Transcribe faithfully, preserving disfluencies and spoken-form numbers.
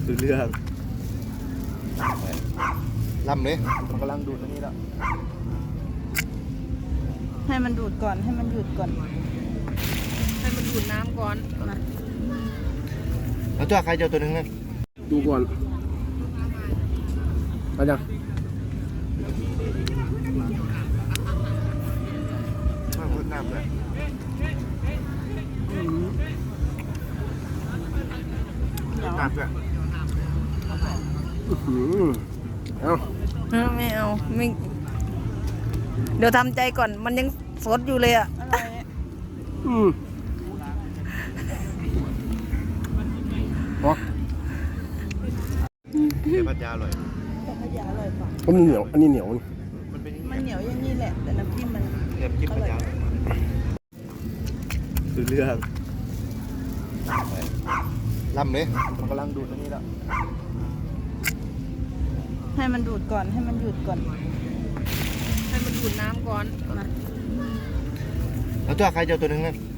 คือเรื่องลำเลยมันกำลังดูดอันนี้แล้วให้มันดูดก่อนให้มันหยุดก่อนให้มันดูดน้ำก่อนนะแล้วตัวใครเจ้าตัวหนึ่งนั่นดูก่อนเอาจังมาพูดน้ำเลยเดี๋ยวน้ำเลยอืมเอาเออไม่เอาไม่เดี๋ยวทำใจก่อนมันยังสดอยู่เลยอ่ะอะไรเนี่ยอืมอ๋อเดี๋ยวพัทยาอร่อยแต่ขยะอร่อยกว่าผมเหนียวอันนี้เหนียวมันเป็นมันเหนียวอย่างนี้แหละแต่น้ำจิ้มมันเรียบจิ้มพัทยาคือเรื่องลำเลยมันกำลังดูดอันนี้แล้วให้มันดูดก่อนให้มันหยุดก่อนให้มันดูดน้ำก่อนนะแล้วตัวใครเจ้าตัวหนึ่งนั่น